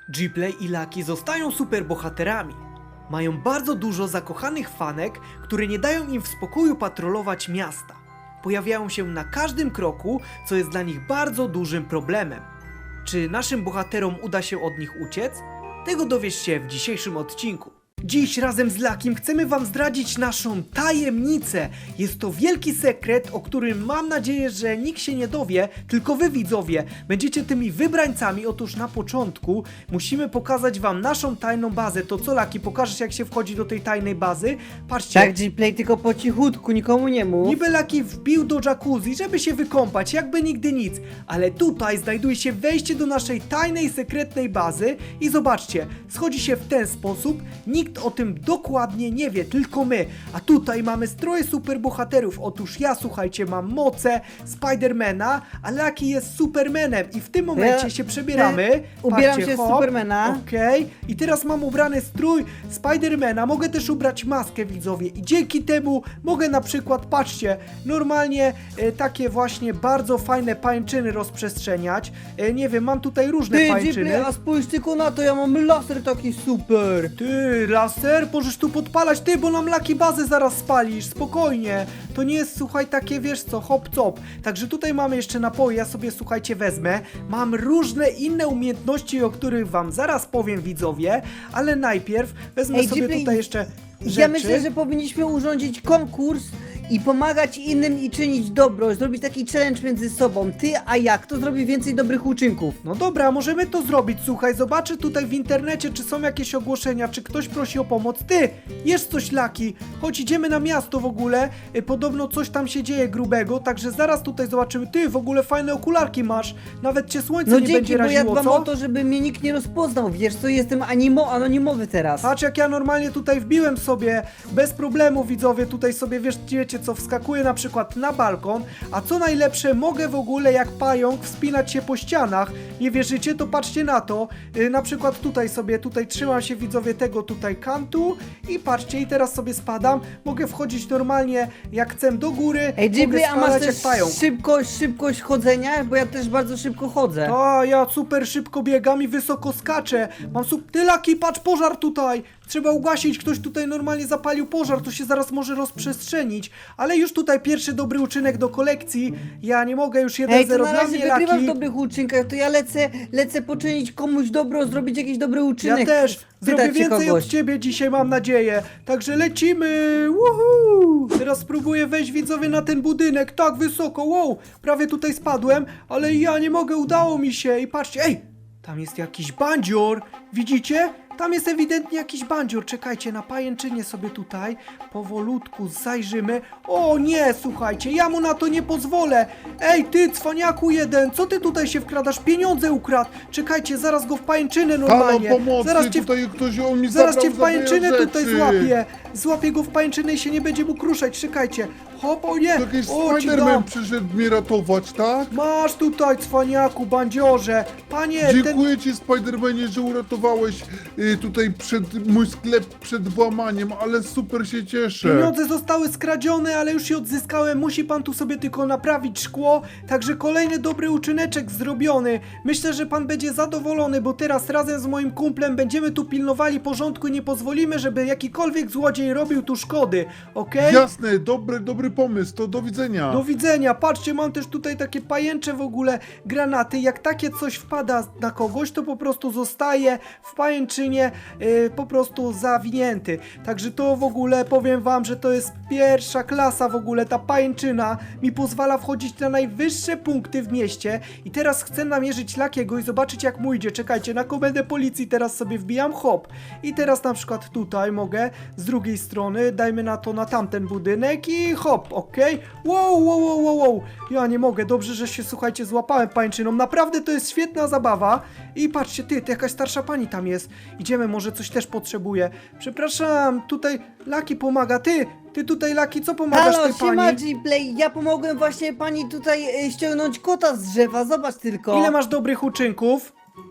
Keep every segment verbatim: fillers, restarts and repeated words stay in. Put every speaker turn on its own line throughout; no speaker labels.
Gplay i Lucky zostają superbohaterami. Mają bardzo dużo zakochanych fanek, które nie dają im w spokoju patrolować miasta. Pojawiają się na każdym kroku, co jest dla nich bardzo dużym problemem. Czy naszym bohaterom uda się od nich uciec? Tego dowiesz się w dzisiejszym odcinku. Dziś razem z Luckim chcemy wam zdradzić naszą tajemnicę. Jest to wielki sekret, o którym mam nadzieję, że nikt się nie dowie, tylko wy widzowie będziecie tymi wybrańcami. Otóż na początku musimy pokazać wam naszą tajną bazę. To co, Lucky, pokażesz jak się wchodzi do tej tajnej bazy? Patrzcie.
Tak, Gplay, tylko po cichutku, nikomu nie mów.
Niby Lucky wbił do jacuzzi, żeby się wykąpać, jakby nigdy nic. Ale tutaj znajduje się wejście do naszej tajnej, sekretnej bazy i zobaczcie, schodzi się w ten sposób. Nikt o tym dokładnie nie wie, tylko my. A tutaj mamy stroje superbohaterów. Otóż ja, słuchajcie, mam moce Spidermana, a Lucky jest Supermanem i w tym momencie
Ja-
się przebieramy.
Ty- ubieram
Patrzcie,
się z
hop,
Supermana.
Okej, i teraz mam ubrany strój Spidermana, mogę też ubrać maskę, widzowie, i dzięki temu mogę na przykład, patrzcie, normalnie e, takie właśnie bardzo fajne pańczyny rozprzestrzeniać. E, nie wiem, mam tutaj różne
Ty,
pańczyny.
Gplay, a spójrz tylko na to, ja mam laser taki super.
Ty, laser, możesz tu podpalać, ty, bo nam Lucky bazę zaraz spalisz, spokojnie. To nie jest, słuchaj, takie, wiesz co, hop top. Także tutaj mamy jeszcze napoje, ja sobie, słuchajcie, wezmę. Mam różne inne umiejętności, o których wam zaraz powiem, widzowie, ale najpierw wezmę
Ej,
sobie
Gplay,
tutaj jeszcze rzeczy.
Ja myślę, że powinniśmy urządzić konkurs i pomagać innym i czynić dobro, zrobić taki challenge między sobą. Ty, a ja, kto zrobi więcej dobrych uczynków?
No dobra, możemy to zrobić, słuchaj, zobaczę tutaj w internecie, czy są jakieś ogłoszenia, czy ktoś prosi o pomoc. Ty, jest coś, Lucky, chodź, idziemy na miasto w ogóle, y, podobno coś tam się dzieje grubego, także zaraz tutaj zobaczymy. Ty, w ogóle fajne okularki masz, nawet cię słońce
No
nie
dzięki,
będzie
bo ja
raziło,
dbam
co?
o to, żeby mnie nikt nie rozpoznał. Wiesz co, jestem animo, anonimowy teraz.
Patrz, jak ja normalnie tutaj wbiłem sobie, bez problemu, widzowie, tutaj sobie, wiesz, wiecie co, wskakuję na przykład na balkon, a co najlepsze, mogę w ogóle jak pająk wspinać się po ścianach. Nie wierzycie? To patrzcie na to. Yy, na przykład tutaj sobie, tutaj trzymam się, widzowie, tego tutaj kantu i patrzcie, i teraz sobie spadam. Mogę wchodzić normalnie jak chcę do góry,
Ej,
mogę
Gplay, a masz
spadać
też
jak pająk.
szybkość, szybkość chodzenia? Bo ja też bardzo szybko chodzę.
A, ja super szybko biegam i wysoko skaczę. Mam sup... Ty, Lucky, patrz, pożar tutaj. Trzeba ugasić, ktoś tutaj normalnie zapalił pożar, to się zaraz może rozprzestrzenić. Ale już tutaj pierwszy dobry uczynek do kolekcji. Ja nie mogę, już jeden
Ej, to
zero
na
dla
razie
mnie,
wygrywasz w
Lucky.
dobrych uczynkach, to ja lecę, lecę poczynić komuś dobro, zrobić jakiś dobry
Ja
uczynek.
też zrobię
Spytać się
więcej
kogoś.
od ciebie dzisiaj, mam nadzieję. Także lecimy. Woohoo! Teraz spróbuję wejść, widzowie, na ten budynek. Tak wysoko, wow. Prawie tutaj spadłem, ale ja nie mogę, udało mi się. I patrzcie, ej, tam jest jakiś bandzior. Widzicie? Tam jest ewidentnie jakiś bandzior. Czekajcie, na pajęczynie sobie tutaj powolutku zajrzymy. O nie, słuchajcie, ja mu na to nie pozwolę. Ej, ty, cwaniaku jeden, co ty tutaj się wkradasz? Pieniądze ukradł. Czekajcie, zaraz go w pajęczynę
Halo,
normalnie.
pomocy,
zaraz cię w
tutaj ktoś on mi
Zaraz
zabrał
cię w
za moje
pajęczynę tutaj
rzeczy.
złapię. Złapię go w pajęczynę i się nie będzie mógł ruszać. Czekajcie. Hop, o nie.
Jakiś
O, ci dam.
Spiderman przyszedł mnie ratować, tak?
Masz tutaj, cwaniaku, bandziorze. Panie, ten...
Dziękuję ci, Spidermanie, że uratowałeś y, tutaj przed mój sklep przed włamaniem, ale super się cieszę.
Pieniądze zostały skradzione, ale już je odzyskałem. Musi pan tu sobie tylko naprawić szkło. Także kolejny dobry uczyneczek zrobiony. Myślę, że pan będzie zadowolony, bo teraz razem z moim kumplem będziemy tu pilnowali porządku i nie pozwolimy, żeby jakikolwiek złodziej robił tu szkody. Okej?
Jasne, dobry, dobry pomysł, to do widzenia.
Do widzenia. Patrzcie, mam też tutaj takie pajęcze w ogóle granaty. Jak takie coś wpada na kogoś, to po prostu zostaje w pajęczynie yy, po prostu zawinięty. Także to w ogóle powiem wam, że to jest pierwsza klasa w ogóle. Ta pajęczyna mi pozwala wchodzić na najwyższe punkty w mieście. I teraz chcę namierzyć Luckiego i zobaczyć jak mu idzie. Czekajcie, na komendę policji teraz sobie wbijam, hop. I teraz na przykład tutaj mogę z drugiej strony, dajmy na to na tamten budynek i hop, okej. Wow, wow, wow, wow, wow. Ja nie mogę, dobrze, że się, słuchajcie, złapałem pańczyną. Naprawdę to jest świetna zabawa. I patrzcie, ty, to jakaś starsza pani tam jest. Idziemy, może coś też potrzebuje. Przepraszam, tutaj Lucky pomaga. Ty, ty tutaj, Lucky, co pomagasz
Halo,
tej
siema,
pani?
Gplay, ja pomogłem właśnie pani tutaj e, ściągnąć kota z drzewa, zobacz tylko.
Ile masz dobrych uczynków?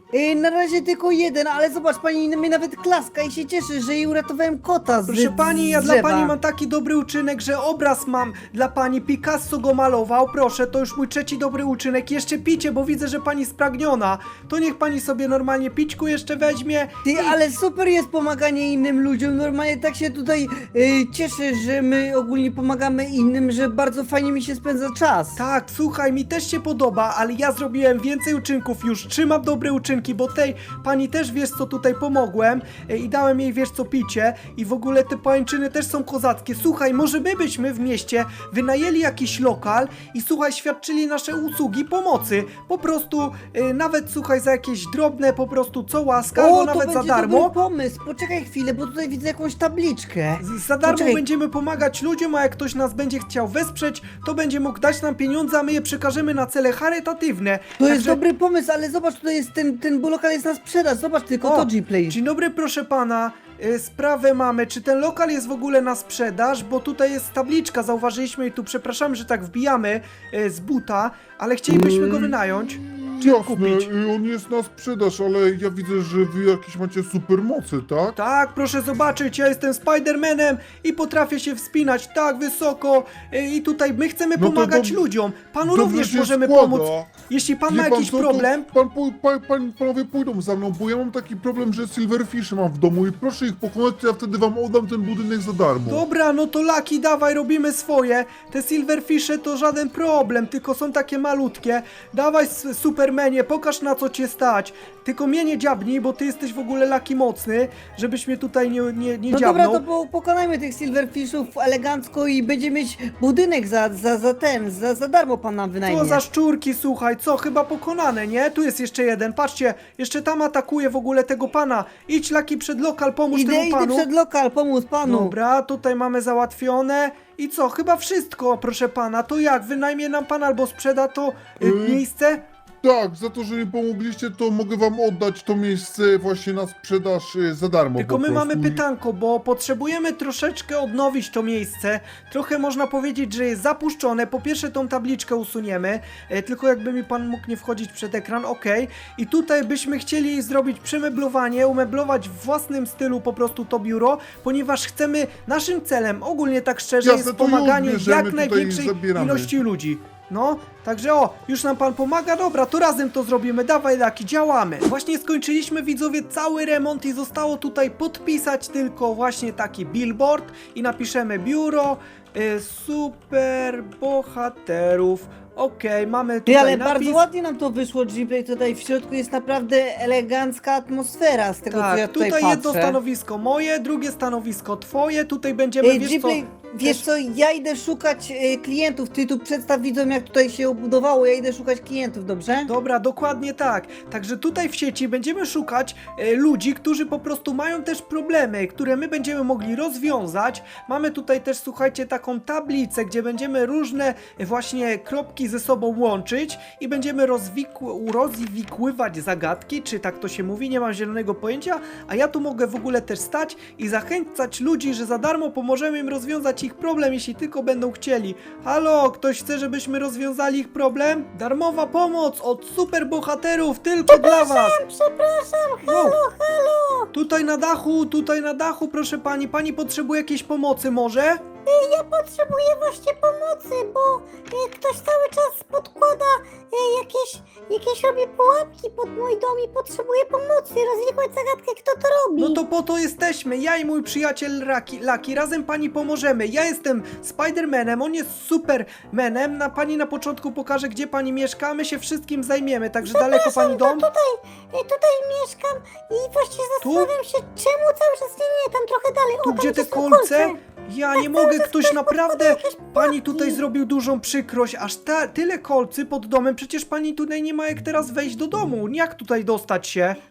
Yy, na razie tylko jeden, ale zobacz, pani mnie nawet klaska i się cieszy, że jej uratowałem kota z
Proszę pani, ja
z
dla
drzewa.
pani mam taki dobry uczynek, że obraz mam dla pani. Picasso go malował, proszę, to już mój trzeci dobry uczynek. Jeszcze picie, bo widzę, że pani spragniona. To niech pani sobie normalnie pićku jeszcze weźmie.
Ty, ale super jest pomaganie innym ludziom, normalnie tak się tutaj yy, cieszę, że my ogólnie pomagamy innym, że bardzo fajnie mi się spędza czas.
Tak, słuchaj, mi też się podoba, ale ja zrobiłem więcej uczynków już. Trzymam dobre uczynki, bo tej pani też wiesz co tutaj pomogłem e, i dałem jej wiesz co picie i w ogóle te pańczyny też są kozackie. Słuchaj, może my byśmy w mieście wynajęli jakiś lokal i słuchaj, świadczyli nasze usługi pomocy. Po prostu e, nawet słuchaj za jakieś drobne po prostu co łaska, albo
O, to
nawet
będzie
za darmo.
dobry pomysł, poczekaj chwilę, bo tutaj widzę jakąś tabliczkę.
Z- Za darmo
Poczekaj.
będziemy pomagać ludziom, a jak ktoś nas będzie chciał wesprzeć, to będzie mógł dać nam pieniądze, a my je przekażemy na cele charytatywne.
To jest
Także-
dobry pomysł, ale zobacz, tutaj jest ten, ten lokal jest na sprzedaż, zobacz tylko to G-Play.
Dzień dobry, proszę pana. Y, Sprawę mamy, czy ten lokal jest w ogóle na sprzedaż, bo tutaj jest tabliczka, zauważyliśmy i tu przepraszamy, że tak wbijamy y, z buta, ale chcielibyśmy go
Mm.
wynająć. Czy
Jasne,
kupić?
y, on jest na sprzedaż, ale ja widzę, że wy jakieś macie supermocy, tak?
Tak, proszę zobaczyć, ja jestem Spidermanem i potrafię się wspinać tak wysoko y, i tutaj my chcemy
No to
pomagać
dob-
ludziom. Panu
dobrze
również
się
możemy
składa.
pomóc. Jeśli pan
Wie
ma jakiś
co, to
problem,
Pan, po- pa, pan, panowie pójdą za mną, bo ja mam taki problem, że silverfish mam w domu i proszę ich pokonać, to ja wtedy wam oddam ten budynek za darmo.
dobra, no to Laki, dawaj, robimy swoje. Te silverfishy to żaden problem, tylko są takie malutkie. Dawaj, s- Supermanie, pokaż na co cię stać. Tylko mnie nie dziabnij, bo ty jesteś w ogóle Laki mocny, żebyś mnie tutaj nie, nie, nie
No
dziabnął.
dobra, to po, pokonajmy tych silverfishów elegancko i będzie mieć budynek za, za, za ten, za, za darmo pan nam wynajmie.
Co za szczurki, słuchaj, co, chyba pokonane, nie? Tu jest jeszcze jeden, patrzcie, jeszcze tam atakuje w ogóle tego pana. Idź, Laki, przed lokal, pomóż
Idę,
temu
idę
panu.
przed lokal, pomóc panu.
Dobra, tutaj mamy załatwione. I co, chyba wszystko, proszę pana. To jak, wynajmie nam pan albo sprzeda to y,
Yy,
miejsce?
Tak, za to, że mi pomogliście, to mogę wam oddać to miejsce właśnie na sprzedaż y, za darmo.
Tylko
po
my mamy
prostu.
pytanko, bo potrzebujemy troszeczkę odnowić to miejsce. Trochę można powiedzieć, że jest zapuszczone. Po pierwsze tą tabliczkę usuniemy, e, tylko jakby mi pan mógł nie wchodzić przed ekran, ok. I tutaj byśmy chcieli zrobić przemeblowanie, umeblować w własnym stylu po prostu to biuro, ponieważ chcemy, naszym celem, ogólnie tak szczerze,
Jasne,
jest
to już
pomaganie
bierzemy,
jak
tutaj
największej
zabieramy.
ilości ludzi. No, także o, już nam pan pomaga, dobra, to razem to zrobimy, dawaj Laki, działamy. Właśnie skończyliśmy, widzowie, cały remont i zostało tutaj podpisać tylko właśnie taki billboard i napiszemy biuro y, super bohaterów. Okej, mamy
Ty,
tutaj
ale
napis.
bardzo ładnie nam to wyszło, G-Play, tutaj w środku jest naprawdę elegancka atmosfera z tego, co ja
Tak,
tutaj,
tutaj
patrzę.
jedno stanowisko moje, drugie stanowisko twoje, tutaj będziemy,
Ej,
wiesz co,
G-Play, wiesz
też-
co, ja idę szukać e, klientów, ty tu przedstaw widzom, jak tutaj się obudowało, ja idę szukać klientów, dobrze?
Dobra, dokładnie tak. Także tutaj w sieci będziemy szukać e, ludzi, którzy po prostu mają też problemy, które my będziemy mogli rozwiązać. Mamy tutaj też, słuchajcie, taką tablicę, gdzie będziemy różne e, właśnie kropki ze sobą łączyć i będziemy rozwikł- rozwikływać zagadki, czy tak to się mówi, nie mam zielonego pojęcia, a ja tu mogę w ogóle też stać i zachęcać ludzi, że za darmo pomożemy im rozwiązać ich problem, jeśli tylko będą chcieli. Halo, ktoś chce, żebyśmy rozwiązali ich problem? Darmowa pomoc od superbohaterów tylko dla was!
Przepraszam,
halo,
halo!
Tutaj na dachu, tutaj na dachu, proszę pani, pani potrzebuje jakiejś pomocy może?
Ja potrzebuję właśnie pomocy, bo e, ktoś cały czas podkłada e, jakieś, jakieś robi pułapki pod mój dom i potrzebuję pomocy, rozwikłać zagadkę, kto to robi.
No to po to jesteśmy, ja i mój przyjaciel Raki, Laki, razem pani pomożemy. Ja jestem Spidermanem, on jest Supermanem, na pani na początku pokażę, gdzie pani mieszka, my się wszystkim zajmiemy, także daleko pani dom?
To tutaj, e, tutaj mieszkam i właśnie zastanawiam się, czemu cały czas nie, nie, tam trochę dalej.
Tu
o, tam
gdzie te
gdzieś są
kolce? Ja nie mogę,
czas
ktoś
ktoś
naprawdę,
podkłada jakieś
pani
pułapki.
tutaj zrobił dużą przykrość, aż ta, tyle kolcy pod domem, przecież pani tutaj nie ma jak teraz wejść do domu, jak tutaj dostać się?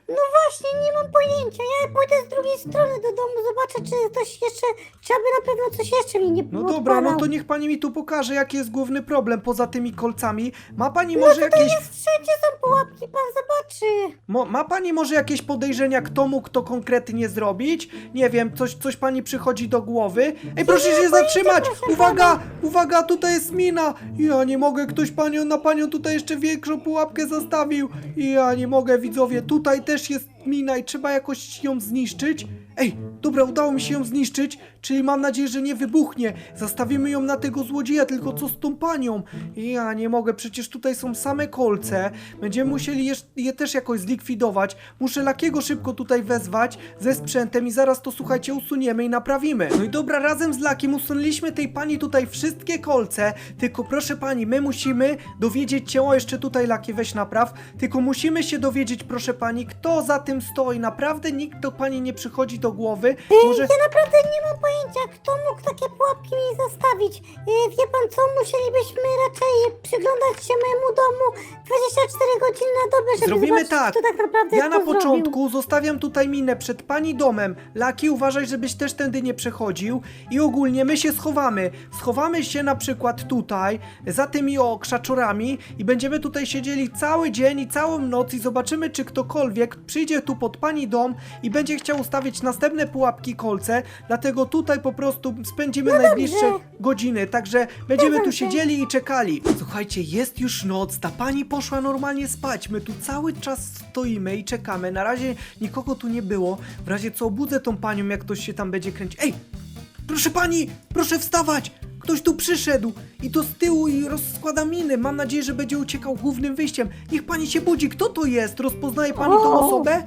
właśnie nie mam pojęcia. Ja pójdę z drugiej strony do domu, zobaczę, czy ktoś jeszcze, czy aby na pewno coś jeszcze mi nie
No dobra, no
odpalał.
to niech pani mi tu pokaże, jaki jest główny problem poza tymi kolcami. Ma pani może jakieś...
Jest, wszędzie są pułapki, pan zobaczy.
Mo, ma pani może jakieś podejrzenia, kto mógł to konkretnie zrobić? Nie wiem, coś, coś pani przychodzi do głowy? Ej, proszę się zatrzymać! Uwaga, uwaga, tutaj jest mina! Ja nie mogę, ktoś panią, na panią tutaj jeszcze większą pułapkę zastawił. Ja nie mogę, widzowie, tutaj też jest mina i trzeba jakoś ją zniszczyć. Ej, dobra, udało mi się ją zniszczyć, czyli mam nadzieję, że nie wybuchnie. Zastawimy ją na tego złodzieja, tylko co z tą panią? Ja nie mogę, przecież tutaj są same kolce. Będziemy musieli je, je też jakoś zlikwidować. Muszę Lakiego szybko tutaj wezwać ze sprzętem i zaraz to, słuchajcie, usuniemy i naprawimy. No i dobra, razem z Lakiem usunęliśmy tej pani tutaj wszystkie kolce, tylko proszę pani, my musimy dowiedzieć się, o jeszcze tutaj Laki, weź napraw, tylko musimy się dowiedzieć, proszę pani, kto za tym stoi. Naprawdę nikt do pani nie przychodzi do głowy. Może...
Ja naprawdę nie mam pojęcia, kto mógł takie pułapki mi zastawić. Yy, wie pan co, musielibyśmy raczej przyglądać się mojemu domu dwadzieścia cztery godziny na dobę, żeby
Zrobimy
zobaczyć,
tak.
kto tak naprawdę
Ja na
to
początku
zrobił.
zostawiam tutaj minę przed pani domem. Laki, uważaj, żebyś też tędy nie przechodził. I ogólnie my się schowamy. Schowamy się na przykład tutaj, za tymi o krzaczorami i będziemy tutaj siedzieli cały dzień i całą noc i zobaczymy, czy ktokolwiek przyjdzie tu pod pani dom i będzie chciał ustawić następne pułapki, kolce. Dlatego tutaj po prostu spędzimy najbliższe godziny. Także będziemy tu
Zgadzam się.
siedzieli i czekali. Słuchajcie, jest już noc, ta pani poszła normalnie spać. My tu cały czas stoimy i czekamy. Na razie nikogo tu nie było. W razie co obudzę tą panią, jak ktoś się tam będzie kręcić. Ej! Proszę pani! Proszę wstawać! Ktoś tu przyszedł i to z tyłu i rozkłada miny. Mam nadzieję, że będzie uciekał głównym wyjściem. Niech pani się budzi. Kto to jest? Rozpoznaje pani tą
O!
osobę?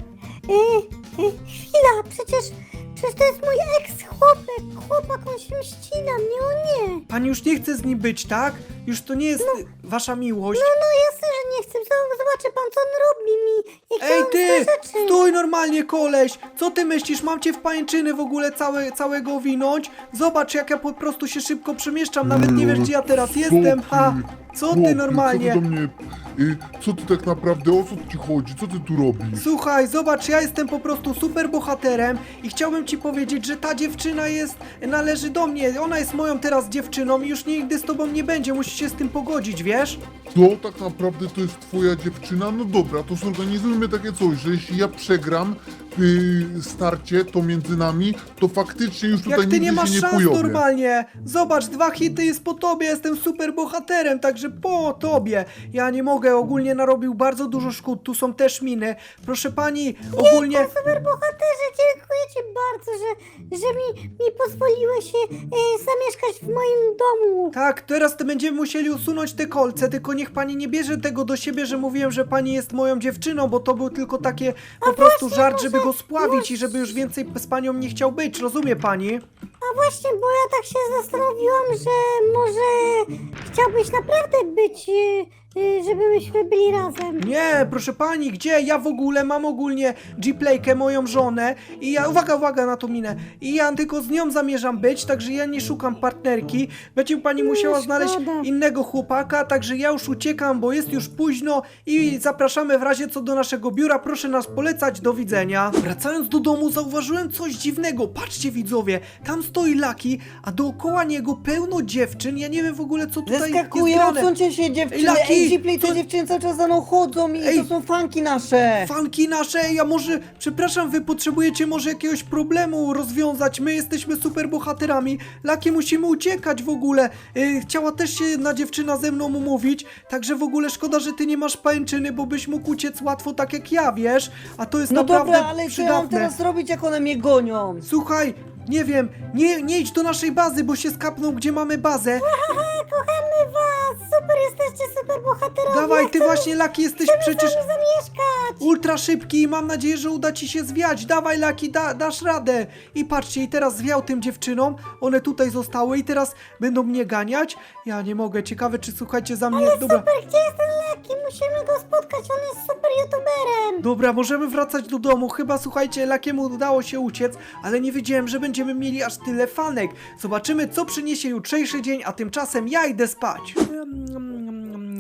Yy, yy, chwila, przecież, przecież to jest mój ex-chłopak. Chłopak, on się mści na mnie, o nie.
Pani już nie chce z nim być, tak? Już to nie jest y, wasza miłość.
No, no jasne, że nie chcę. Z- Zobaczy pan, co on robi mi. Jakie
Ej
on
ty!
złe rzeczy.
Stój normalnie, koleś! Co ty myślisz? Mam cię w pajęczyny w ogóle całe, całego owinąć? Zobacz, jak ja po prostu się szybko przemieszczam, nawet nie wiesz, gdzie ja teraz jestem, ha! Co ty
Chłopie,
normalnie?
Co ty do mnie, y, co ty tak naprawdę, o co ci chodzi, co ty tu robisz?
Słuchaj, zobacz, ja jestem po prostu super bohaterem i chciałbym ci powiedzieć, że ta dziewczyna jest, należy do mnie. Ona jest moją teraz dziewczyną i już nigdy z tobą nie będzie. Musisz się z tym pogodzić, wiesz?
To tak naprawdę to jest twoja dziewczyna? No dobra, to zorganizujmy takie coś, że jeśli ja przegram y, starcie, to między nami, to faktycznie już tutaj
Jak ty
nigdy
nie masz
się nie
szans
pojawię.
normalnie. Zobacz, dwa hity jest po tobie, jestem super bohaterem, także po tobie. Ja nie mogę, ogólnie narobił bardzo dużo szkód, tu są też miny. Proszę pani, ogólnie...
Super bohaterze, dziękuję ci bardzo, że, że mi, mi pozwoliłeś się e, zamieszkać w moim domu.
Tak, teraz to będziemy musieli usunąć te kolce, tylko niech pani nie bierze tego do siebie, że mówiłem, że pani jest moją dziewczyną, bo to był tylko takie po prostu żart, żeby go spławić i żeby już więcej z panią nie chciał być, rozumie pani?
A właśnie, bo ja tak się zastanowiłam, że może chciałbyś naprawdę być, e, e, żebyśmy byli razem.
Nie, proszę pani, gdzie? Ja w ogóle mam ogólnie G-Playkę, moją żonę i ja, uwaga, uwaga na tą minę, i ja tylko z nią zamierzam być, także ja nie szukam partnerki, będzie pani musiała
No,
znaleźć
szkoda.
innego chłopaka, także ja już uciekam, bo jest już późno i zapraszamy w razie co do naszego biura, proszę nas polecać, do widzenia. Wracając do domu zauważyłem coś dziwnego, patrzcie widzowie, tam stoi Laki, a dookoła niego pełno dziewczyn, ja nie wiem w ogóle co tutaj
Zeskakuję,
jest grane.
odsuńcie się dziewczyny.
Laki,
Ej, Gplay, te
co-
dziewczyny cały czas za mną chodzą i
Ej.
to są fanki nasze.
Fanki nasze, ja może, przepraszam, wy potrzebujecie może jakiegoś problemu rozwiązać, my jesteśmy super bohaterami, Laki musimy uciekać w ogóle, yy, chciała też się jedna dziewczyna ze mną umówić, także w ogóle szkoda, że ty nie masz pajęczyny, bo byś mógł uciec łatwo tak jak ja, wiesz, a to jest
No
naprawdę
dobra, ale co ja mam
przydatne.
teraz zrobić, jak one mnie gonią?
Słuchaj, nie wiem, nie, nie idź do naszej bazy, bo się skapną, gdzie mamy bazę.
Haha, kochamy was, super jesteście, super bohaterowie.
Dawaj, ty
Chcemy-
właśnie, Laki, jesteś
chcemy
przecież
z wami zamieszkać.
ultra szybki i mam nadzieję, że uda ci się zwiać. Dawaj, Laki, da, dasz radę. I patrzcie, i teraz zwiał tym dziewczynom, one tutaj zostały i teraz będą mnie ganiać. Ja nie mogę, ciekawe czy słuchajcie za mnie, dobra.
Super, gdzie jest ten Laki? Musimy go spotkać, on jest super youtuberem.
Dobra, możemy wracać do domu. Chyba, słuchajcie, Lakiemu udało się uciec, ale nie wiedziałem, że będziemy mieli aż tyle fanek. Zobaczymy, co przyniesie jutrzejszy dzień, a tymczasem ja idę spać.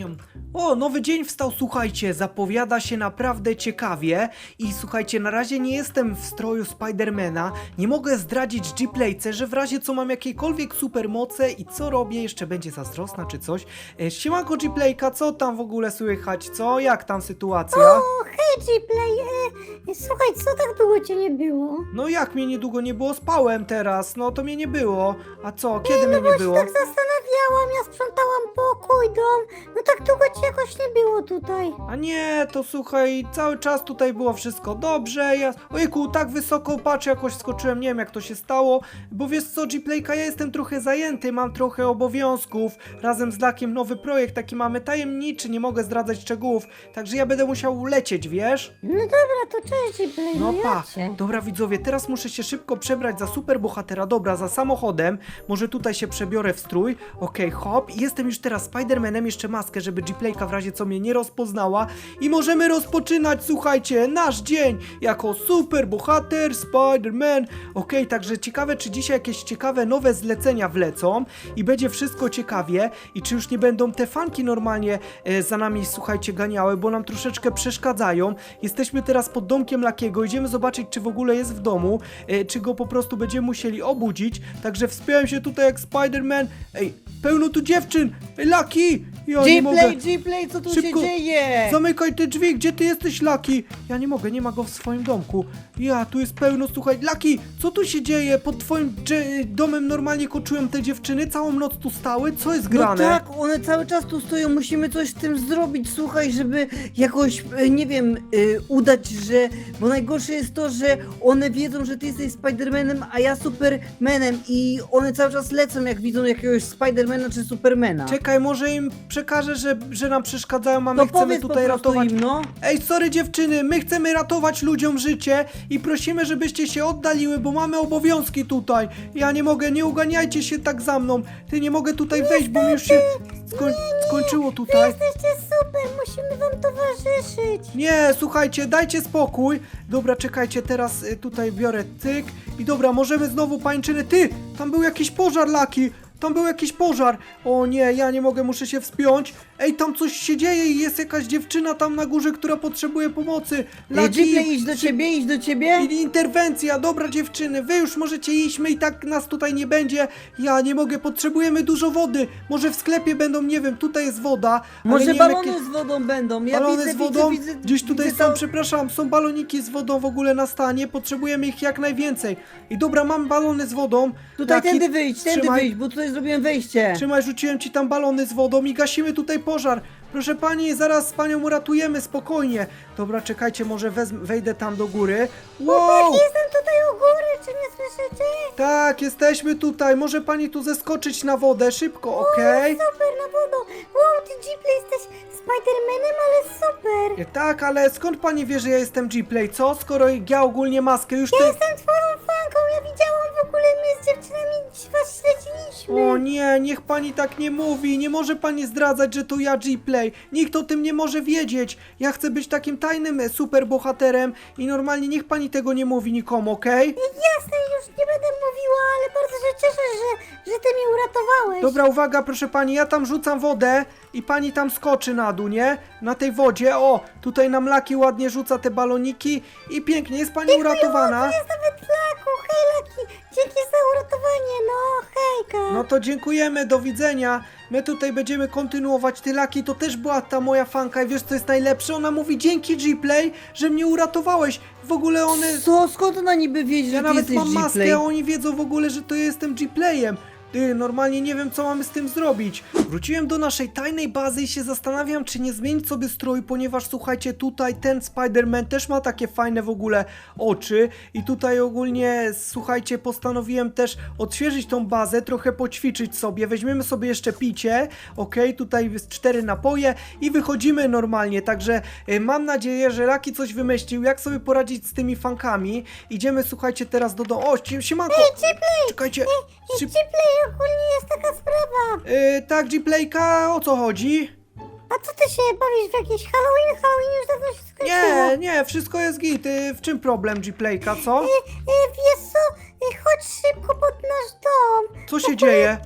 O, nowy dzień wstał, słuchajcie, zapowiada się naprawdę ciekawie i słuchajcie, na razie nie jestem w stroju Spidermana, nie mogę zdradzić G-Playce, że w razie co mam jakiekolwiek supermoce i co robię, jeszcze będzie zazdrosna czy coś. E, Siemanko G-Playka, co tam w ogóle słychać, co? Jak tam sytuacja?
O, hej G-Play, e, słuchaj, co tak długo cię nie było?
No jak mnie niedługo nie było, spałem teraz, no to mnie nie było. A co, kiedy mnie nie
Bo się
było?
tak zastanawiałam, ja sprzątałam pokój, dom, no tak długo cię jakoś nie było tutaj.
A nie, to słuchaj, cały czas tutaj było wszystko dobrze, ja... Ojku, tak wysoko, patrz, jakoś skoczyłem, nie wiem jak to się stało, bo wiesz co, G-Playka, ja jestem trochę zajęty, mam trochę obowiązków, razem z Lakiem nowy projekt, taki mamy tajemniczy, nie mogę zdradzać szczegółów, także ja będę musiał lecieć, wiesz?
No dobra, to cześć G-Play,
No
no
pa,
ja cię.
dobra widzowie, teraz muszę się szybko przebrać za superbohatera, dobra, za samochodem, może tutaj się przebiorę w strój, okej, hop, i jestem już teraz Spidermanem, jeszcze maskę, żeby G-Playka w razie co mnie nie rozpoznała i możemy rozpoczynać, słuchajcie, nasz dzień jako superbohater Spider-Man, okej, także ciekawe, czy dzisiaj jakieś ciekawe nowe zlecenia wlecą i będzie wszystko ciekawie i czy już nie będą te fanki normalnie e, za nami, słuchajcie, ganiały, bo nam troszeczkę przeszkadzają, jesteśmy teraz pod domkiem Lakiego, idziemy zobaczyć, czy w ogóle jest w domu, e, czy go po prostu będziemy musieli obudzić, także wspiąłem się tutaj jak Spider-Man, ej, pełno tu dziewczyn, ej, Laki, ja nie mogę.
G-Play, G-Play, co tu
Szybko.
się dzieje?
Zamykaj te drzwi, gdzie ty jesteś, Laki? Ja nie mogę, nie ma go w swoim domku. Ja, tu jest pełno, słuchaj, Laki, co tu się dzieje? Pod twoim dże- domem normalnie koczują te dziewczyny, całą noc tu stały, co jest
No
grane?
tak, one cały czas tu stoją, musimy coś z tym zrobić, słuchaj, żeby jakoś, e, nie wiem, e, udać, że... Bo najgorsze jest to, że one wiedzą, że ty jesteś Spidermanem, a ja Supermanem i one cały czas lecą, jak widzą jakiegoś Spidermana czy Supermana.
Czekaj, może im przekażę, że, że nam przeszkadzają, a my
To
chcemy
powiedz
tutaj
po prostu
ratować.
im, no.
Ej, sorry dziewczyny, my chcemy ratować ludziom życie i prosimy, żebyście się oddaliły, bo mamy obowiązki tutaj. Ja nie mogę, nie uganiajcie się tak za mną. Ty nie mogę tutaj wejść, bo mi już się skoń skończyło tutaj.
Jesteście super, musimy wam towarzyszyć.
Nie, słuchajcie, dajcie spokój. Dobra, czekajcie, teraz y, tutaj biorę tyk i dobra, możemy znowu pańczyny. Ty, tam był jakiś pożar, Laki. Tam był jakiś pożar. O nie, ja nie mogę, muszę się wspiąć. Ej, tam coś się dzieje i jest jakaś dziewczyna tam na górze, która potrzebuje pomocy.
Ej,
Laki,
G-Play, idź do ciebie, idź do ciebie.
I interwencja, dobra dziewczyny, wy już możecie iść, my i tak nas tutaj nie będzie. Ja nie mogę, potrzebujemy dużo wody. Może w sklepie będą, nie wiem, tutaj jest woda. ale
Może
nie wiem,
balony
jakie-
z wodą będą, ja
balony
widzę,
z wodą?
widzę, widzę,
Gdzieś tutaj
widzę
są,
to-
przepraszam, są baloniki z wodą w ogóle na stanie, potrzebujemy ich jak najwięcej. I dobra, mam balony z wodą.
Tutaj
Laki,
tędy wyjdź, tędy
trzymaj,
wyjdź, bo tutaj zrobiłem wejście.
Trzymaj, rzuciłem ci tam balony z wodą i gasimy tutaj pożar. Proszę pani, zaraz panią uratujemy, spokojnie. Dobra, czekajcie, może wezm- wejdę tam do góry. Wow!
Jestem tutaj u góry, czy nie słyszycie?
Tak, jesteśmy tutaj. Może pani tu zeskoczyć na wodę, szybko, okej?
Super, na wodą. Wow, ty G-Play jesteś Spidermanem, ale super.
E, Tak, ale skąd pani wie, że ja jestem G-Play, co? Skoro ja ogólnie maskę już
Ja
te...
jestem twoją fanką, ja widziałam w ogóle, my z dziewczynami was śledziliśmy.
O nie, niech pani tak nie mówi. Nie może pani zdradzać, że to ja G-Play. Nikt o tym nie może wiedzieć. Ja chcę być takim tajnym e, superbohaterem i normalnie niech pani tego nie mówi nikomu, okej?
Jasne, już nie będę mówiła, ale bardzo się cieszę, że, że ty mnie uratowałeś.
Dobra, uwaga, proszę pani, ja tam rzucam wodę i pani tam skoczy na dół, nie? Na tej wodzie, o, tutaj nam Laki ładnie rzuca te baloniki i pięknie, jest pani uratowana.
Jest nawet Laku, hej Laki, dzięki za uratowanie, no hejka.
No to dziękujemy, do widzenia. My tutaj będziemy kontynuować. Ty, Laki, to też była ta moja fanka i wiesz co jest najlepsze? Ona mówi dzięki G-Play, że mnie uratowałeś. W ogóle one...
Co? Skąd ona niby wiedzie,
Ja
że ty
nawet
jesteś
mam maskę,
G-Play?
a oni wiedzą w ogóle, że to ja jestem G-Playem. Ty, normalnie nie wiem, co mamy z tym zrobić. Wróciłem do naszej tajnej bazy i się zastanawiam, czy nie zmienić sobie strój, ponieważ słuchajcie, tutaj ten Spider-Man też ma takie fajne w ogóle oczy i tutaj ogólnie, słuchajcie, postanowiłem też odświeżyć tą bazę, trochę poćwiczyć sobie. Weźmiemy sobie jeszcze picie, okej, tutaj jest cztery napoje i wychodzimy normalnie, także y, mam nadzieję, że Laki coś wymyślił, jak sobie poradzić z tymi fankami. Idziemy, słuchajcie, teraz do domu. O, si- siemanko! Czekajcie! Szyb-
G-Play, ogólnie jest taka sprawa.
Yy, tak, G-Playka, o co chodzi?
A co ty się bawisz w jakiś Halloween? Halloween już dawno się skończyło.
Nie, nie, wszystko jest git. Yy, w czym problem, G-Playka, co?
E, e, wiesz co, e, chodź szybko pod nasz dom.
Co się dzieje?
Te,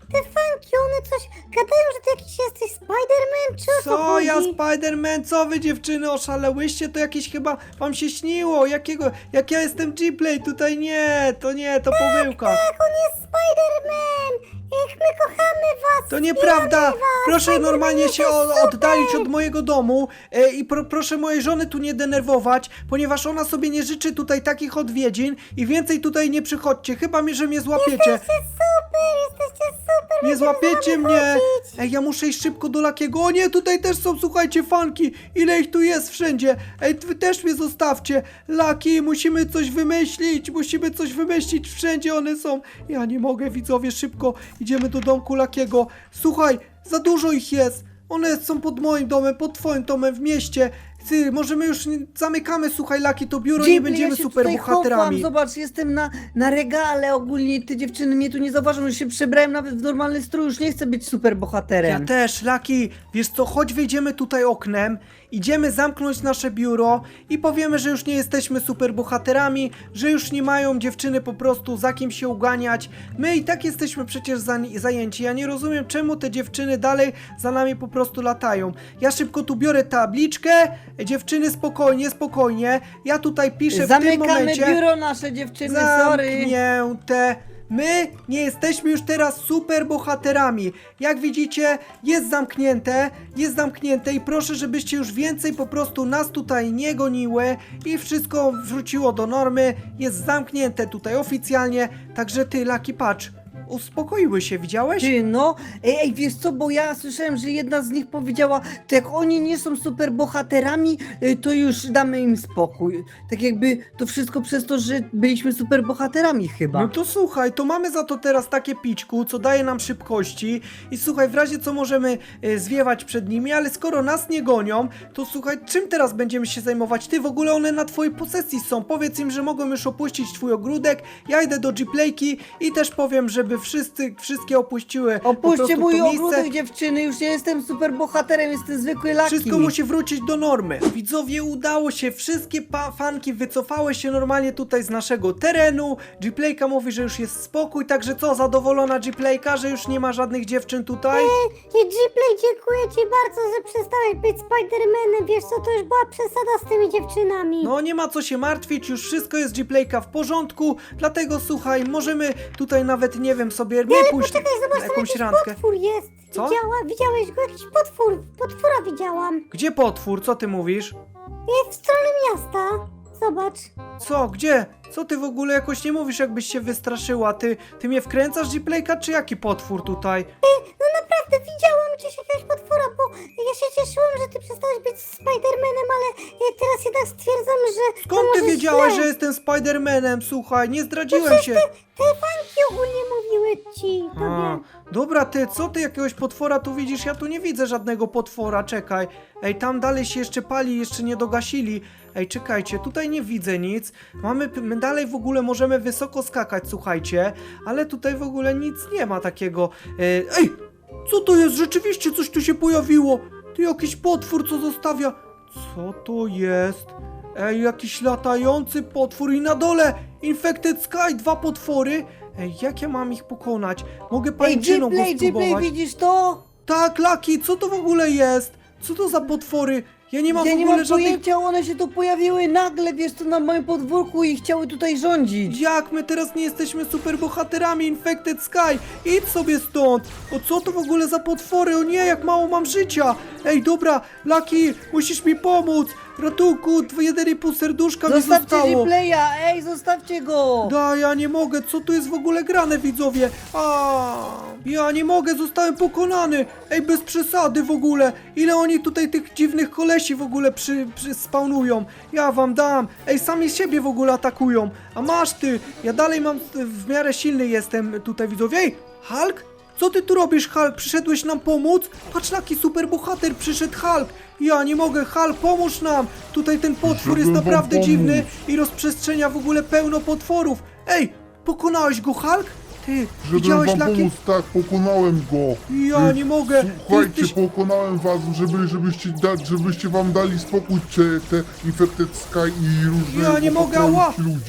te fanki, one coś gadają, że ty jakiś jesteś Spider-Man, czy o co
Co
chodzi?
ja Spider-Man, co wy dziewczyny oszalełyście? To jakieś chyba wam się śniło. Jakiego, jak ja jestem G-Play, tutaj nie, to nie, to pomyłka.
Tak, on jest Spider-Man! Jak my kochamy was!
To nieprawda! Proszę
Spider-Man
normalnie
jest
się o,
super!
oddalić od mojego domu e, i pro, proszę mojej żony tu nie denerwować, ponieważ ona sobie nie życzy tutaj takich odwiedzin i więcej tutaj nie przychodźcie, chyba mi, że mnie złapiecie.
Jesteście super, jesteście super!
Nie
będziemy
złapiecie
z wami
mnie!
chodzić.
Ej, ja muszę iść szybko do Lakiego. O nie, tutaj też są, słuchajcie, fanki! Ile ich tu jest wszędzie? Ej, wy też mnie zostawcie! Laki, musimy coś wymyślić! Musimy coś wymyślić! Wszędzie one są! Ja nie mogę, widzowie, szybko idziemy do domku Lakiego. Słuchaj, za dużo ich jest! One są pod moim domem, pod twoim domem w mieście. Ty, możemy już nie, zamykamy, słuchaj, Laki, to biuro, nie
Ghibli,
będziemy
ja się
super
tutaj
bohaterami.
chowam, zobacz, jestem na, na regale, ogólnie te dziewczyny mnie tu nie zauważą, już się przebrałem nawet w normalny strój, już nie chcę być super bohaterem.
Ja też, Laki, wiesz co, choć wyjdziemy tutaj oknem, idziemy zamknąć nasze biuro i powiemy, że już nie jesteśmy super bohaterami, że już nie mają dziewczyny po prostu za kim się uganiać. My i tak jesteśmy przecież za, zajęci, ja nie rozumiem, czemu te dziewczyny dalej za nami po prostu latają. Ja szybko tu biorę tabliczkę, dziewczyny spokojnie, spokojnie, ja tutaj piszę w tym
Zamykamy
momencie...
biuro nasze dziewczyny, sorry.
Zamknięte. My nie jesteśmy już teraz super bohaterami. Jak widzicie, jest zamknięte, jest zamknięte i proszę, żebyście już więcej po prostu nas tutaj nie goniły i wszystko wróciło do normy. Jest zamknięte tutaj oficjalnie, także ty, Laki, patrz, uspokoiły się, widziałeś?
Ty, no, ej, ej, wiesz co, bo ja słyszałem, że jedna z nich powiedziała, to jak oni nie są super bohaterami, y, to już damy im spokój. Tak jakby to wszystko przez to, że byliśmy super bohaterami chyba.
No to słuchaj, to mamy za to teraz takie pićku, co daje nam szybkości i słuchaj, w razie co możemy e, zwiewać przed nimi, ale skoro nas nie gonią, to słuchaj, czym teraz będziemy się zajmować? Ty, w ogóle one na twojej posesji są, powiedz im, że mogą już opuścić twój ogródek, ja idę do G-Playki i też powiem, żeby wszyscy, wszystkie opuściły po
Opuśćcie
prostu
mój
to miejsce.
ogródek, dziewczyny, już nie jestem super bohaterem, jestem zwykły Laki.
Wszystko musi wrócić do normy. Widzowie, udało się, wszystkie pa- fanki wycofały się normalnie tutaj z naszego terenu. G-Playka mówi, że już jest spokój, także co, zadowolona G-Playka, że już nie ma żadnych dziewczyn tutaj?
I G-Play, dziękuję ci bardzo, że przestałeś być Spider-Manem, wiesz co, to już była przesada z tymi dziewczynami.
No nie ma co się martwić, już wszystko jest G-Playka w porządku, dlatego słuchaj, możemy tutaj nawet, nie wiem, sobie nie pójść
Poczekaj,
na
zobacz, tam
jakąś
jakiś
randkę.
potwór jest.
Co?
Widziała, widziałeś go? Jakiś potwór, potwora widziałam.
Gdzie potwór? Co ty mówisz?
Jest w stronę miasta. Zobacz.
Co? Gdzie? Co ty w ogóle jakoś nie mówisz, jakbyś się wystraszyła? Ty, ty mnie wkręcasz, G-Playka, czy jaki potwór tutaj?
No naprawdę, widziałam gdzieś jakiegoś potwora, bo ja się cieszyłam, że ty przestałeś być Spider-Manem, ale e, teraz jednak stwierdzam, że to
Skąd ty
może
wiedziałaś,
źle.
że jestem Spider-Manem? Słuchaj, nie zdradziłem
przecież
się.
Te, te fanki ogólnie mówiły ci,
A,
tobie.
dobra, ty, co ty jakiegoś potwora tu widzisz? Ja tu nie widzę żadnego potwora, czekaj. Ej, tam dalej się jeszcze pali, jeszcze nie dogasili. Ej, czekajcie, tutaj nie widzę nic. Mamy, my dalej w ogóle możemy wysoko skakać, słuchajcie. Ale tutaj w ogóle nic nie ma takiego. E, Ej, co to jest? Rzeczywiście coś tu się pojawiło. To jakiś potwór, co zostawia. Co to jest? Ej, jakiś latający potwór i na dole Infected Sky, dwa potwory. Ej, jak ja mam ich pokonać? Mogę
Ej,
pajęczyną go
G-Play, G-Play,
spróbować.
widzisz to?
Tak, Laki, co to w ogóle jest? Co to za potwory? Ja nie mam
Ja
w
nie
ogóle
mam
żadnych...
pojęcia, one się tu pojawiły nagle, wiesz co, na moim podwórku i chciały tutaj rządzić.
Jak my teraz nie jesteśmy super bohaterami Infected Sky? Idź sobie stąd! O co to w ogóle za potwory? O nie, jak mało mam życia! Ej, dobra, Laki, musisz mi pomóc! Ratunku, jeden i pół serduszka mi
Zostawcie
zostało!
G-Playa, ej, zostawcie go!
Da, ja nie mogę, co tu jest w ogóle grane, widzowie? A, ja nie mogę, zostałem pokonany. Ej, bez przesady w ogóle. Ile oni tutaj tych dziwnych kolesi w ogóle przy, przy spawnują? Ja wam dam. Ej, sami siebie w ogóle atakują. A masz ty, ja dalej mam, w miarę silny jestem tutaj, widzowie. Ej, Hulk? Co ty tu robisz, Hulk? Przyszedłeś nam pomóc? Patrz, jaki super bohater przyszedł Hulk. Ja nie mogę, Hulk, pomóż nam! Tutaj ten potwór jest
Żeby wam
naprawdę
pomóc.
dziwny i rozprzestrzenia w ogóle pełno potworów. Ej, pokonałeś go, Hulk? Ty,
Żeby
widziałeś,
wam
Laki?
pomóc, tak, pokonałem go.
Ja
Y,
nie mogę.
Słuchajcie,
Ty jesteś-
pokonałem was, żeby, żebyście, da, żebyście wam dali spokój te, te Infected Sky i różne
Ja nie mogę, ała.
ludzie.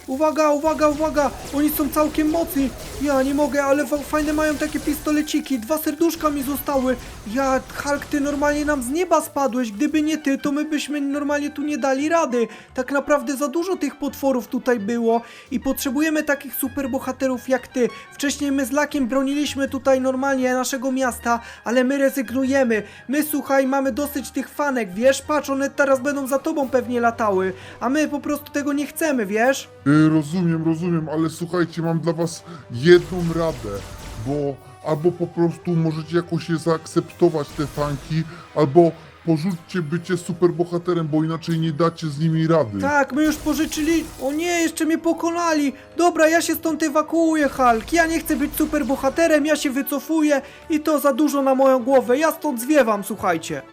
Uwaga, uwaga, uwaga! Oni są całkiem mocni! Ja nie mogę, ale fa- fajne mają takie pistoleciki. Dwa serduszka mi zostały. Ja, Hulk, ty normalnie nam z nieba spadłeś. Gdyby nie ty, to my byśmy normalnie tu nie dali rady. Tak naprawdę za dużo tych potworów tutaj było i potrzebujemy takich superbohaterów jak ty. Wcześniej my z Lakiem broniliśmy tutaj normalnie naszego miasta, ale my rezygnujemy. My, słuchaj, mamy dosyć tych fanek, wiesz? Patrz, one teraz będą za tobą pewnie latały, a my po prostu tego nie chcemy, wiesz?
Y, rozumiem, rozumiem, ale słuchajcie, mam dla was jedną radę, bo albo po prostu możecie jakoś je zaakceptować, te fanki, albo porzućcie bycie superbohaterem, bo inaczej nie dacie z nimi rady.
Tak, my już pożyczyli... O nie, jeszcze mnie pokonali! Dobra, ja się stąd ewakuuję, Hulk. Ja nie chcę być superbohaterem, ja się wycofuję i to za dużo na moją głowę. Ja stąd zwiewam, słuchajcie.